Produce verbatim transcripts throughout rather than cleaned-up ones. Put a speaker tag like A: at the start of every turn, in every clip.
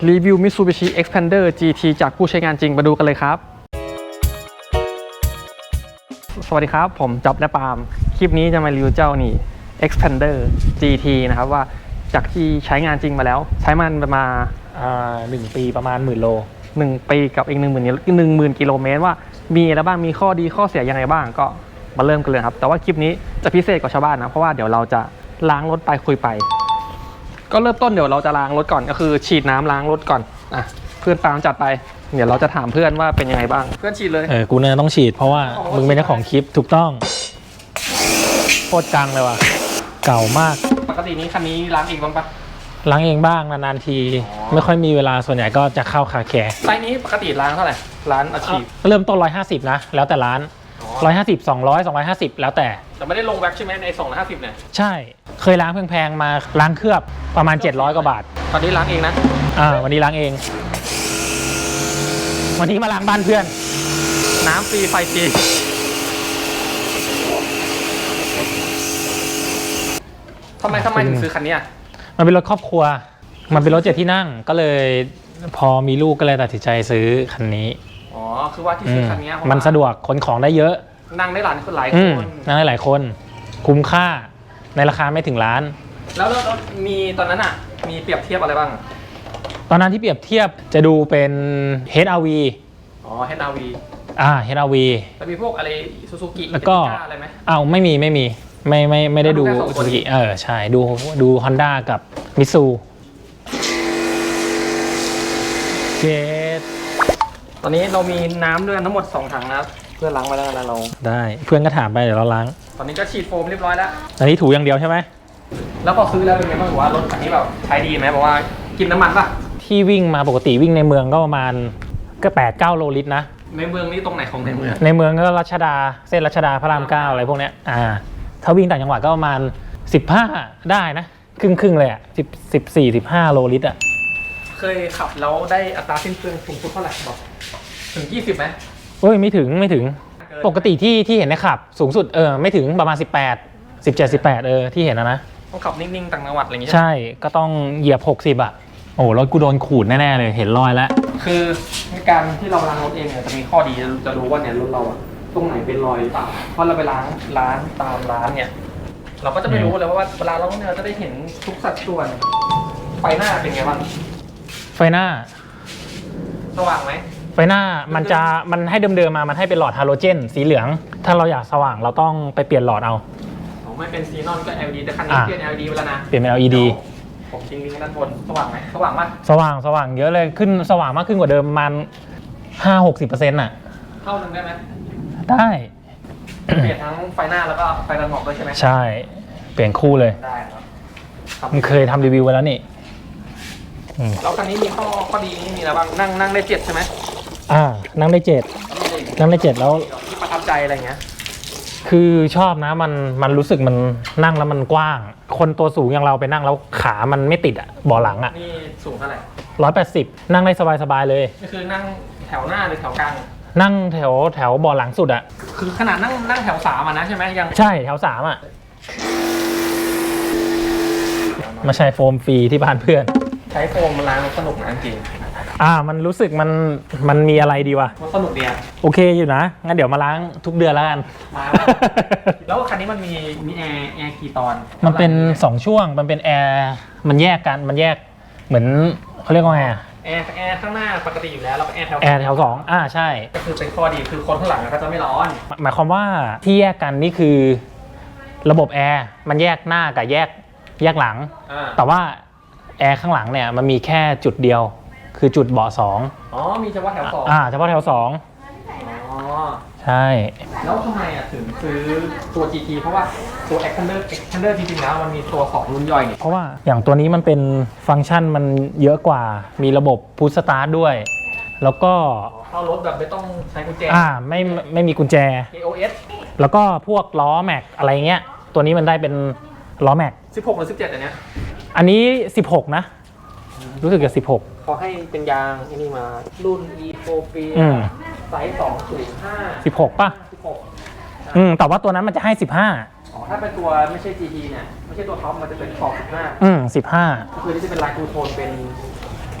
A: รีวิว Mitsubishi Xpander จี ที จากผู้ใช้งานจริงมาดูกันเลยครับสวัสดีครับผมจ๊อบและปาล์มคลิปนี้จะมารีวิวเจ้านี่ Xpander จี ที นะครับว่าจากที่ใช้งานจริงมาแล้วใช้มันประมาณ
B: หนึ่งปีประมาณหมื่นโล
A: หนึ่งปีกับอีกหนึ่งหมื่นหนึ่งหมื่นกิโลเมตรว่ามีอะไรบ้างมีข้อดีข้อเสียยังไงบ้างก็มาเริ่มกันเลยครับแต่ว่าคลิปนี้จะพิเศษกว่าชาวบ้านนะเพราะว่าเดี๋ยวเราจะล้างรถไปคุยไปก็เริ่มต้นเดี๋ยวเราจะล้างรถก่อนก็คือฉีดน้ำล้างรถก่อนอ่ะเพื่อนปาล์มจัดไปเดี๋ยวเราจะถามเพื่อนว่าเป็นยังไงบ้างเพื่อนฉีดเลย
B: เออกูเนี่ยต้องฉีดเพราะว่ามึงเป็นเจ้าของคลิปถูกต้องโคตรจังเลยว่ะเก่ามาก
A: ปกตินี้คันนี้ล้างเองบ้างปะ
B: ล้างเองบ้างนานๆทีไม่ค่อยมีเวลาส่วนใหญ่ก็จะเข้าคาแคร์
A: ไซส์นี้ปกติล้างเท่าไหร่ร้านอาชีพ
B: เริ่มต้นหนึ่งร้อยห้าสิบนะแล้วแต่ร้านหนึ่งร้อยห้าสิบ สองร้อย สองร้อยห้าสิบแล้วแต่
A: แต่ไม่ได้ลงแว็กใช่ไหมในสองร้อยห้าสิบเนี่ย
B: ใช่เคยล้างแพงๆมาล้างเคลือบประมาณเจ็ดร้อยกว่าบาท
A: ตอนนี้ล้างเองนะ
B: อ่าวันนี้ล้างเองวันนี้มาล้างบ้านเพื่อน
A: น้ำฟรีไฟฟรีทำไมทำไมถึงซื้อคันนี้
B: มันเป็นรถครอบครัวมันเป็นรถเจ็ดที่นั่งก็เลยพอมีลูกก็เลยตัดสินใจซื้อคันนี้
A: อ๋อคือว่าที่ซื้อคันนี้
B: มันสะดวกขนของได้เยอะ
A: นั่งได้หลายคนหลายคน
B: นั่งได้หลายคนคุ้มค่าในราคาไม่ถึงล้าน
A: แล้วแล้วมีตอนนั้นอ่ะมีเปรียบเทียบอะไรบ้าง
B: ตอนนั้นที่เปรียบเทียบจะดูเป็น เอช อาร์ วี
A: อ๋อ เอช อาร์ วี
B: อ่า เอช อาร์ วี
A: แล้วมีพวกอะไรซูซูกิ
B: แล้วก็
A: อะไรไหม
B: อ้าวไม่มีไม่มีไม่ไม่ไม่ได้ดูซูซูกิเออใช่ดูดู Honda กับมิตซูเจด
A: ตอนนี้เรามีน้ำด้วยทั้งหมดสองถังนะครับเพื่อนล้างไว้แล้วนะเรา
B: ได้เพื่อนก็ถามไปเดี๋ยวเราล้าง
A: ตอนนี้ก็ฉีดโฟมเรียบร้อยแล้ว
B: อันนี้ถูอย่างเดียวใช่ไหม
A: แล้วพอซื้อแล้วเป็นไงบ้างว่ารถคันนี้แบบใช้ดีไหมบอกว่ากินน้ำมันป่ะ
B: ที่วิ่งมาปกติวิ่งในเมืองก็ประมาณก็แปดเก้าโลลิตรนะ
A: ในเมืองนี่ตรงไหนของในเมือง
B: ในเมืองก็รัชดาเส้นรัชดาพระรามเก้าอะไรพวกเนี้ยอ่าถ้าวิ่งต่างจังหวัดก็ประมาณสิบห้าได้นะครึ่งครึ่งเลยอ่ะสิบสิบสี่สิบห้าโลลิตรอ่ะ
A: เคยขับแล้วได้อัตราสิ้นเปลืองสูงสุดเท่าไหร่บอกถึงยี่สิบไหม
B: เอ้ยไม่ถึงไม่ถึงปกติที่ที่เห็นในขับสูงสุดเออไม่ถึงประมาณสิบแปด สิบเจ็ด สิบแปดเออที่เห็นนะนะ
A: ต้องขับนิ่งๆต่างจังหวัดอะไรอย่างเงี้ย
B: ใช่ก็ต้องเหยียบหกสิบอ่ะโอ้รถกูโดนขูดแน่ๆเลยเห็นรอยแล้ว
A: คือในการที่เราล้างรถเองเนี่ยจะมีข้อดีจะรู้ว่าเนี่ยรถเราอะตรงไหนเป็นรอยหรือเปล่าเพราะเราไปล้างร้านตามร้านเนี่ยเราก็จะไม่รู้เลยว่าเวลาเราเนี่ยเราจะได้เห็นทุกสัดส่วนไฟหน้าเป็นไงบ้าง
B: ไฟหน้า
A: สว่างไหม
B: ไฟหน้ามันจะมันให้เดิมๆมามันให้เป็นหลอดฮาโลเจนสีเหลืองถ้าเราอยากสว่างเราต้องไปเปลี่ยนหลอดเอา
A: ไม่เป็นซีนอนก็ แอล อี ดี แต่คันนี้เปลี่ยน แอล อี ดี ไปแล้วนะ
B: เปลี่ยนเป็น แอล อี ดี
A: ผมทิ้งลิงก์ด้านบนสว่างไหมสว่างมาก
B: สว่างสว่างเยอะเลยขึ้นสว่างมากขึ้นกว่าเดิมประมาณห้าหกสิบเปอร์เซ็นต์น่ะ
A: เท่านึงได้ไหม
B: ได้
A: เปลี่ยนทั้งไฟหน้าแล้วก็ไฟตัดหมอกด้วยใช่ไหม
B: ใช่เปลี่ยนคู่เลย
A: ได้ครับ
B: มันเคยทำรีวิวไว้แล้วนี่
A: แล้วคันนี้มีข้อข้อดีนี่มีอะไรบ้างนั่งนั่งได้เจ็ดใช่ไหม
B: อ่านั่งได้เจ็ดนั่งได้เจ็ดแล้ว
A: ที่ประทับใจอะไรเงี้ย
B: คือชอบนะมันมันรู้สึกมันนั่งแล้วมันกว้างคนตัวสูงอย่างเราไปนั่งแล้วขามันไม่ติดอ่ะเบาะหลังอ่ะ
A: นี่สูงเท่าไหร่
B: ร้อยแปดสิบนั่งได้สบายๆเลย
A: นี่คือนั่งแถวหน้าหรือแถวกลาง
B: นั่งแถวแถวเบาะหลังสุดอ่ะ
A: คือขนาดนั่งนั่งแถวสามอ่ะนะใช่ไหมยัง
B: ใช่แถวสามอ่ะมาใช้โฟมฟรีที่บ้านเพื่อน
A: ใช้โฟมมันล้างสนุกนะจริง
B: อ่ามันรู้สึกมันมันมีอะไรดีวะ
A: มันสนุกดีอ่ะ
B: โอเคอยู่นะงั้นเดี๋ยวมาล้างทุกเดือนแล้วกัน
A: มาแล้วคันนี้มันมีมีแอร์แอร์กี่ตอน
B: มันเป็นสองช่วงมันเป็นแอร์มันแยกกันมันแยกเหมือนเขาเรียกว่าไงอ่ะ
A: แอร์แอร์ข้างหน้าปกติอยู่แล้วแล้วก็แอร์แถว
B: แอร์แถวสองอ่าใช่
A: ก็คือเป็นข้อดีคือคนข้างหลังก็จะไม่ร้อน
B: หมายความว่าที่แยกกันนี่คือระบบแอร์มันแยกหน้ากับแยกแยกหลังแต่ว่าแอร์ข้างหลังเนี่ยมันมีแค่จุดเดียวคือจุดเบาะสอง
A: อ๋อมีเฉพาะแถวสอง
B: อ่าเฉพาะแถวสอง
A: อ๋อ
B: ใช่
A: แล้วทำไมอ่ะถึงซื้อตัว จี ที เพราะว่าตัว Xpander Xpander จริงๆแล้วมันมีตัวของรุ่นย่อยนี่
B: เพราะว่าอย่างตัวนี้มันเป็นฟังก์ชันมันเยอะกว่ามีระบบพุชสตาร์ทด้วยแล้วก็
A: เข้ารถแบบไม่ต้องใช้กุญแจ
B: อ่าไม่ไม่มีกุญแจ
A: เอ โอ เอส
B: แล้วก็พวกล้อแม็กอะไรเงี้ยตัวนี้มันได้เป็นล้อแม็ก
A: สิบหกหรือสิบเจ็ดอันเนี้ย
B: อันนี้สิบหกนะรู้สึกจะสิบหก
A: เขาให้เป็นยางอันนี้มารุ่น อี โฟร์ ปีไซส์สองศูนย์ห้า
B: สิบหกป่ะสิบหกอืมแต่ว่าตัวนั้นมันจะให้สิบห้า
A: อ๋อถ้าเป็นตัวไม่ใช่ จี ที เนี่ยไม่ใช่ตัวท็อปมันจะเป็นขอบสิบห้า
B: อืมสิบห้า
A: ก็คือที่จะเป็นลายทูโทนเป็น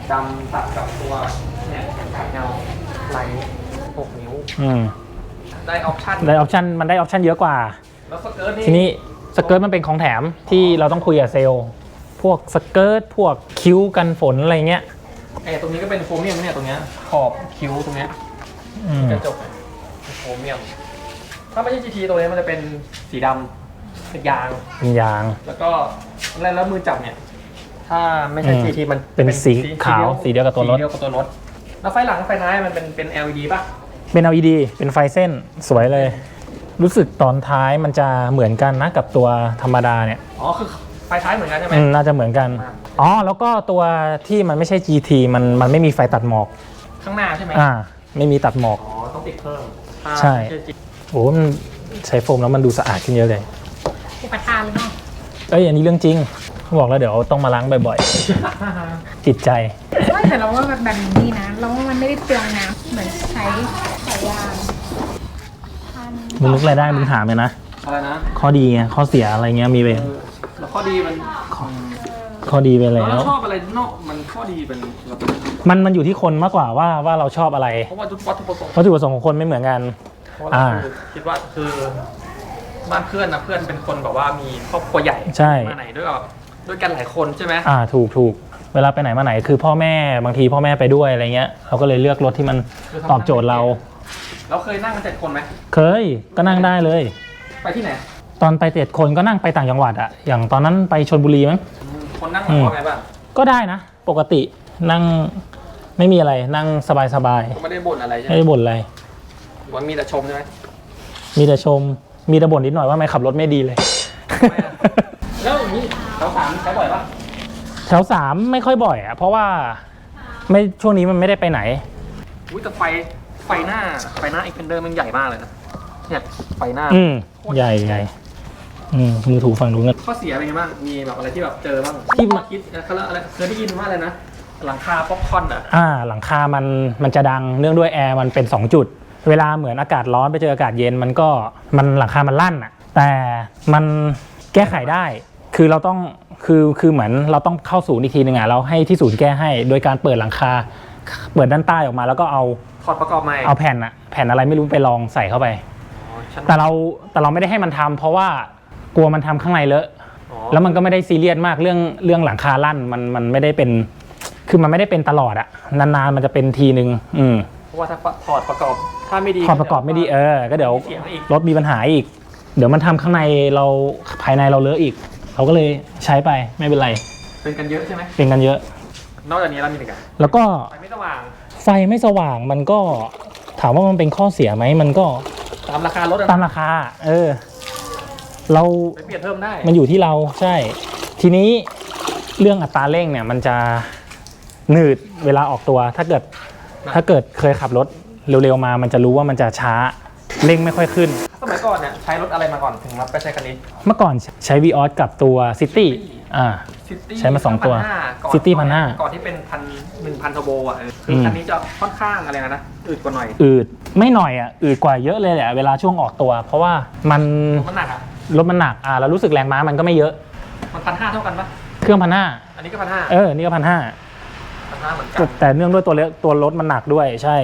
A: ดำตัดกับตัวเนี่ยขัดเงาลายนี้หกนิ้ว
B: อืม
A: ได้ออปชั่น
B: ได้ออปชันมันได้ออปชันเยอะกว่า
A: แล้วสเกิร์ตนี่
B: ทีนี้สเกิร์ตมันเป็นของแถมที่เราต้องคุยกับเซลล์พวกสเกิร์ตพวกคิ้วกันฝนอะไรเงี้ย
A: ไอ้ตรงนี้ก็เป็นโครเมียมเนี่ยตรงเนี้ยขอบคิ้วตรงเนี้ย
B: อืม
A: กระจกเป็นโครเมียม ถ้าไม่ใช่ จี ที ตัวนี้มันจะเป็นสีดำเป็นยาง
B: เป็นยาง
A: แล้วก็แล้วแล้วมือจับเนี่ย ถ้าไม่ใช่
B: อืม
A: จี ที มัน
B: เป็นสีขาวสีเดียวกับตัวรถ
A: สีเดียวกับตัวรถ แล้วไฟหลังไฟท้ายมันเป็นเป็น แอล อี ดี ป่ะ
B: เป็น แอล อี ดี เป็นไฟเส้นสวยเลย รู้สึกตอนท้ายมันจะเหมือนกันนะกับตัวธรรมดาเนี่ย
A: อ๋อคือไฟท้ายเหมือนกันใช่ไหม
B: อืมน่าจะเหมือนกัน อ๋อ แล้วก็ตัวที่มันไม่ใช่ จี ที มันมันไม่มีไฟตัดหมอก
A: ข้างหน้าใช่ไหม
B: อ่า ไม่มีตัดหมอก
A: อ๋อต้องติดเพิ่มถ้า
B: ใช่
A: ไม่ จี
B: โอ้โหมันใช้โฟมแล้วมันดูสะอาดขึ้นเยอะเลย
C: อุปทานหรือเปล่า
B: เอ้ยอันนี้เรื่องจริงเขาบอกแล้วเดี๋ยวต้องมาล้างบ่อยๆ จิตใจ
C: ว่าแต่เราว่าแบบแบบนี้ดีนะเราว่ามันไม่ได้เปลืองน้ำเหมือนใช้สายยางพัน
B: มึงนึกอะไรได้มึงถามเลยนะ
A: อะไรนะ
B: ข้อดีไงข้อเสียอะไรเงี้ยมีไป
A: เออแล้วข้อดีมัน
B: ข้อดีไปแล้
A: เรา
B: ว
A: ชอบอะไรเนาะมันข้อดีเป็นเราเป็น
B: มันมันอยู่ที่คนมากกว่าว่าว่าเราชอบอะไร
A: เพราะว่าวัตถุประสงค์
B: วัตถุประสงค์ของคนไม่เหมือนกัน
A: เพราะว่า
B: อ่า
A: เราคือคิดว่าคือบ้านเพื่อนนะเพื่อนเป็นคนแบบว่ามีครอบครัวใหญ่
B: ใช่
A: มาไหนด้วยแบบด้วยกันหลายคนใช่ไหม
B: อ่าถูกถูกเวลาไปไหนมาไหนคือพ่อแม่บางทีพ่อแม่ไปด้วยอะไรเงี้ยเราก็เลยเลือกรถที่มันตอบโจทย์เรา
A: เราเคยนั่งกันเจ็ดคนไหม
B: เคยก็นั่งได้เลย
A: ไปที่ไหน
B: ตอนไปเจ็ดคนก็นั่งไปต่างจังหวัดอะอย่างตอนนั้นไปชลบุรีมั้ง
A: อืมคนนั่งหลังว่าไงบ้าง
B: ก็ได้นะ ปกตินั่งไม่มีอะไรนั่งสบายสบาย
A: ไม่ได้บ่นอะไรใช่
B: ๆ
A: ไหม
B: ไม่ได้บ่นอะไร
A: หรือว่ามีแต่ชมใช่ไหม
B: มีแต่ชมมีแต่บ่นนิดหน่อยว่าไม่ขับรถไม่ดีเลย
A: แล้วอย่างนี้แถวสามใช้บ่อยปะ
B: แถวสามไม่ค่อยบ่อยอะเพราะว่าไม่ช่วงนี้มันไม่ได้ไปไหน
A: อุ้ยแต่ไฟไฟหน้าไฟหน้าอีกเพนเดอร์มันใหญ่มากเลยนะเนี่ยไฟหน้า
B: อืมใหญ่ใหญ่อืมมือถูฝั่งนู้นกัน
A: ข้อเสียเป็นไงบ้างมีแบบอะไรที่แบบเจอบ้าง
B: ที่มา
A: คิดเขาเรียกอะไรเคยได้ยินว่าอะไรนะหลังคาป๊อปคอร์นอ่ะ
B: อ่าหลังคามันมันจะดังเนื่องด้วยแอร์มันเป็นสองจุด เวลาเหมือนอากาศร้อนไปเจออากาศเย็นมันก็มันหลังคามันลั่นอะแต่มันแก้ไขได้ คือเราต้องคือคือเหมือนเราต้องเข้าศูนย์อีกทีหนึ่งอ่ะเราให้ที่ศูนย์แก้ให้ โดยการเปิดหลังคาเปิดด้านใต้ออกมาแล้วก็เอา
A: ถอดประกอบใหม่
B: เอาแผ่นอะแผ่นอะไรไม่รู้ไปลองใส่เข้าไป
A: อ๋อฉัน
B: แต่เราแต่เราไม่ได้ให้มันทำเพราะว่ากลัวมันทำข้างในเลอะ
A: อ๋อ
B: แล้วมันก็ไม่ได้ซีเรียสมากเรื่องเรื่องหลังคาลั่นมันมันไม่ได้เป็น คือมันไม่ได้เป็นตลอดอะนานๆมันจะเป็นทีนึงอืม
A: เพราะว่าถ้าถอดประกอบถ้าไม่ดี
B: พอประกอบไม่ดีเออก็เดี๋ยว
A: เสียงอีก
B: รถมีปัญหาอีก เดี๋ยวมันทำข้างในเราภายในเราเลอะอีก เราก็เลยใช้ไปไม่เป็นไร
A: เป็นกันเยอะใช่ไหม
B: เป็นกันเยอะ
A: นอกจากนี้เรามีอะไรกัน
B: แล้วก็
A: ไฟไม่สว่าง
B: ไฟไม่สว่างมันก็ถามว่ามันเป็นข้อเสียไหมมันก็
A: ตามราคารถอะ
B: ตามราคา เออ เรา
A: ไปเปลี่ยนเพิ่มได้
B: มันอยู่ที่เราใช่ ทีนี้เรื่องอัตราเร่งเนี่ยมันจะหนืดเวลาออกตัว ถ้าเกิดถ้าเกิดเคยขับรถเร็วๆมา มันจะรู้ว่ามันจะช้าเร่งไม่ค่อยขึ้น
A: สมัยก่อนเนี่ยใช้รถอะไรมาก่อนถึงรับไปใช้คันนี้
B: เมื่อก่อนใช้ วี ออส กับตัว City อ่า
A: City
B: ใช้มาสองตัว
A: ก่อน
B: City พันห้า
A: ก่อนที่เป็นพันหนึ่งพันเทอร์โบอ่ะเออคือคันนี้จะค่อนข้างอะไรนะนะอืดกว่าหน่อย
B: อืดไม่หน่อยอ่ะอืดกว่าเยอะเลยแหละเวลาช่วงออกตัว เพราะว่ามัน
A: มันหนักอ่ะ
B: รถมันหนักอ่าแล้วรู้สึกแรงม้ามันก็ไม่เยอะ
A: มันพันห้าเท่ากันปะ
B: เครื่องพันห้า
A: อันนี้ก็พันห้า
B: เออนี่ก็พันห้า
A: พันห้าเหมือนกัน
B: แต่เนื่องด้วยตัวเลตัวรถมันหนักด้วยใช่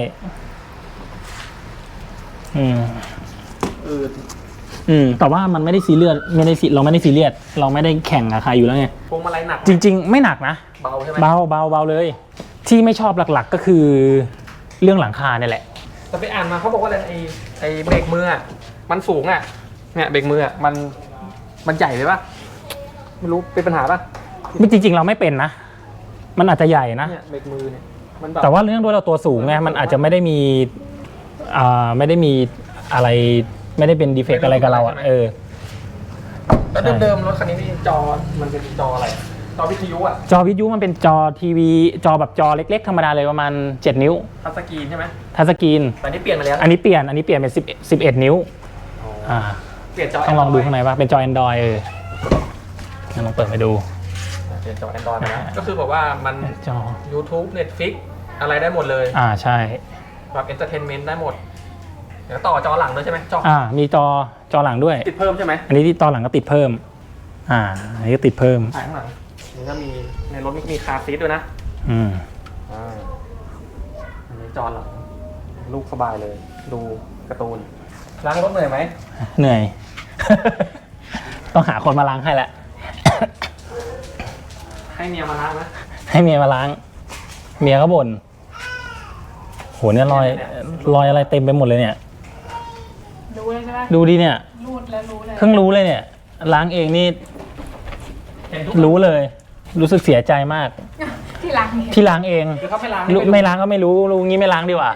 B: อืม
A: อืด
B: อืมแต่ว่ามันไม่ได้ซีเรียสไม่ได้ซีเราไม่ได้ซีเรียสเราไม่ได้แข่งกับใครอยู่แล้วไง
A: พวงมาลัยหนักไหม
B: จริง ๆ ไม่หนักนะ
A: เบาใช่ไหม
B: เบาเบาเบาเลย ที่ไม่ชอบหลักๆก็คือเรื่องหลังคาเนี่ยแหละ
A: แต่ไปอ่านมาเขาบอกว่าอะไรไอ้ไอ้เบรกมืออ่ะมันสูงอ่ะเนี่ยเบรกมืออ่ะมันมันใหญ่เลยปะไม่รู้เป็นปัญหาปะ
B: ไม่จริง ๆ เราไม่เป็นนะ มันอาจจะใหญ่นะ
A: เนี่ยเบรกมือเนี่ยมันแบบ
B: แต่ว่าเรื่องด้วยเราตัวสูงไงมันอาจจะไม่ได้มีอ่าไม่ได้มีอะไรไม่ได้เป็นดีเฟกต์อะไรกับเราอ่ะเออ
A: แล้วเดิมๆรถคันนี้นี่จอมันเป็นจออะไรจอวิทยุอ่ะ
B: จอวิทยุมันเป็นจอทีวีจอแบบจอเล็กๆธรรมดาเลยประมาณเจ็ดนิ้ว
A: ทัชสกรีนใช่ไหม
B: ทัชสกรีน
A: แต่นี่เปลี่ยนมาแล้ว
B: อันนี้เปลี่ยนอันนี้เปลี่ยนเป็นสิบสิบเอ็ดนิ้วอ่า
A: เปลี่ยนจอ
B: ต้องลองดู
A: Android
B: ข้างในว่าเป็นจอ Android เอองั้นลองเปิดไปดู
A: เปลี่ยนจอ Android มาแล้วก็คือแบบว่ามัน
B: จอ
A: YouTube Netflix อะไรได้หมดเลย
B: อ่าใช่
A: แบบ Entertainment ได้หมดเดี๋ยวต่อจอหลังด้วยใช่ไหมจอ
B: อ่ามีจอจอหลังด้วย
A: ติดเพิ่มใช่ไหม
B: อันนี้ที่ตอนหลังก็ติดเพิ่ม อ่าอันนี้ก็ติดเพิ่ม
A: ถ่ายข้างหลังนี่ก็มีในรถมีคาร์ซีทด้วยนะ
B: อืม
A: จอหลังลูกสบายเลย ดูการ์ตูนล้างรถเหนื่อยไหม
B: เหนื่อย ต้องหาคนมาล้างให้แหละ
A: ให้เมียมาล้างนะ
B: ให้เมียมาล้าง เมียก็บ่นโหเนี่ยรอยรอยอะไรเต็มไปหมดเลยเนี่ย
C: รู้เลยใช่ไหม
B: ดูดิเนี่ย
C: รูดแล้วรู้เลย
B: เพิ่งรู้เลยเนี่ย ล้างเองนี่
A: เห็นทุก
B: รู้เลย รู้สึกเสียใจมาก
C: ที่ล้างเนี่ย
B: ที่ล้างเอง
A: คือเขาไม่ล้าง
B: รู้ไม่ล้างก็ไม่รู้รู้งี้ไม่ล้างดีกว่า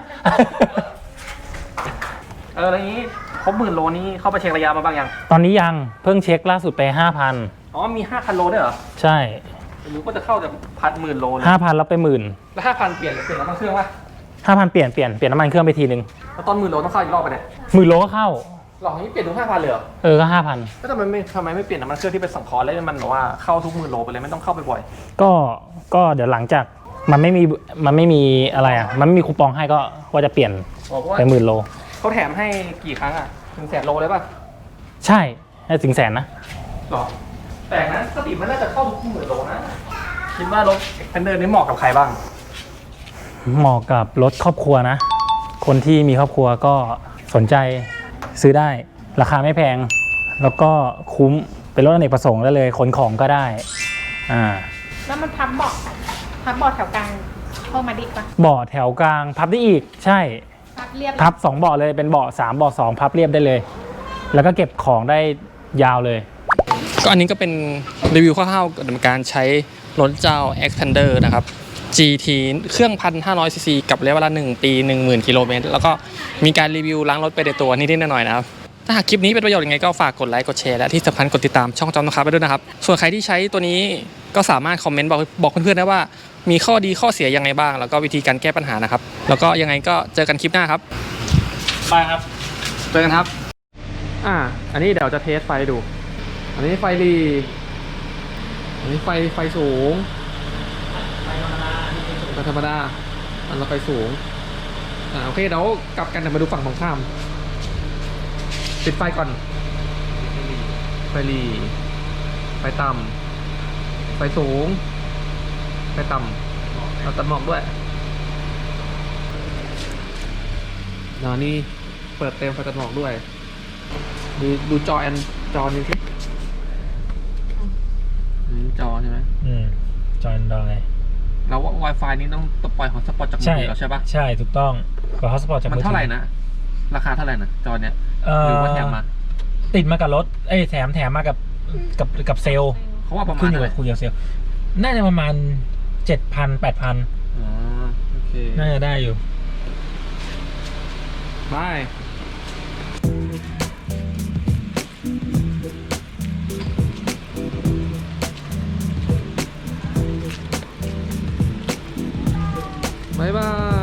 A: เออแล้วนี้ครบหมื่นโลนี่เข้าไปเช็คระยะมาบ้างยัง
B: ตอนนี้ยังเพิ่งเช็คล่าสุดไปห้าพัน
A: อ๋อมีห้าพันโลด้วยเหรอ
B: ใช่
A: รู้ก็จะเข้าจากพันหมื่นโลเลย
B: ห้าพันแล้วไปหมื่น
A: แล้วห้าพันเปลี่ยนเปลี่ยนน้ำมันเครื่องป่ะ
B: ห้าพันเปลี่ยนเปลี่ยนเปลี่ยนน้ำมันเครื่องไปทีนึง
A: แล้วตอนหมื่นโลต้องเข้าอีกรอบไปเนี่ย
B: หมื่นโลก็เข้า
A: หลอกนี้เปลี่ยนถึงห้าพันเลยเหรอ
B: เออก็ห้าพัน
A: แล้วทำไมไม่ทำไมไม่เปลี่ยนน้ำมันเครื่องที่เป็นสังเคราะห์แล้วมันแบบว่าเข้าทุกหมื่นโลไปเลยไม่ต้องเข้าไปบ่อย
B: ก็ก็เดี๋ยวหลังจากมันไม่มีมันไม่มีอะไรอ่ะมันไม่มีคูปองให้ก็ว่าจะเปลี่ยน
A: อ๋อเพราะว่า
B: ไปหมื่นโล
A: เขาแถมให้กี่ครั้งอ่ะถึงแสนโลเลยป่ะ
B: ใช่ให้ถึงแสนนะ
A: หรอแต่นะสติมันน่าจะเข้าทุกหมื่นโลนะคิดว่ารถเอ็กเพนเดอร์นี่เหมาะกับใครบ้าง
B: เหมาะกับรถครอบครัวนะ คนที่มีครอบครัวก็สนใจซื้อได้ ราคาไม่แพง แล้วก็คุ้มเป็นรถอเนกประสงค์ได้เลยขนของก็ได้อ่า
C: แล้วมันพับเบาะพับเบาะแถวกลางเพิ่มมาดิปะ
B: เบาะแถวกลางพับได้อีกใช่
C: พับเรียบ
B: พับสองเบาะเลยเป็นเบาะสามเบาะสองพับเรียบได้เลย แล้วก็เก็บของได้ยาวเลย
A: ก็อันนี้ก็เป็นรีวิวคร่าวๆกับการใช้รถเจ้า Xpander นะครับ จี ที เครื่อง หนึ่งพันห้าร้อยซีซีกับระยะเวลาหนึ่งปี หนึ่งหมื่นกิโลเมตรแล้วก็มีการรีวิวล้างรถไปในตัวนิดๆหน่อยๆนะครับถ้าหากคลิปนี้เป็นประโยชน์ยังไงก็ฝากกดไลค์กดแชร์และที่สำคัญกดติดตามช่องจอมนะครับไปด้วยนะครับส่วนใครที่ใช้ตัวนี้ก็สามารถคอมเมนต์บอกบอกเพื่อนๆได้ว่ามีข้อดีข้อเสียยังไงบ้างแล้วก็วิธีการแก้ปัญหานะครับแล้วก็ยังไงก็เจอกันคลิปหน้าครับ
B: ไปครับ
A: เจอกันครับ อ่า อันนี้เดี๋ยวจะเทสไฟดู อันนี้ไฟรี อันนี้ไฟไฟสูง ไฟธรรมดา อันละไฟสูง อ่าโอเคเดี๋ยวกลับกันเดี๋ยวมาดูฝั่งตรงข้าม ปิดไฟก่อน ไฟรี ไฟต่ำ ไฟสูง ไฟต่ำเราตัดหมอกด้วยแล้วนี่เปิดเต็มไฟตัดหมอกด้วย ดูดูจอแอนจอนี้สินี่จอใช่ไหม
B: อืมจอยดอย
A: แล้ว Wi-Fi นี้ต้องปล่อยของสปอตจากมือ
B: ใช่
A: ถือแล้วใช่ปะ
B: ใช่ถูกต้องขอฮอสปอร์ตจาก
A: มัน
B: มือถือ
A: เท่าไหร่นะ ราคาเท่าไหร่นะจอเนี้ย
B: เอ่
A: หรือ
B: อ
A: ว่าแถมมา
B: ติดมากับรถเอ้ยแถมแถมมากับกับกับเซลล์
A: เขาว่าประมา
B: ขึ้
A: ณ
B: นอยู่
A: เท่าไห
B: กั
A: ร่
B: บคุยกับเซลล์น่าจะประมาณเจ็ดพันแปดพัน
A: อ๋อโอเค
B: น่าจะได้อยู่
A: บายบายบาย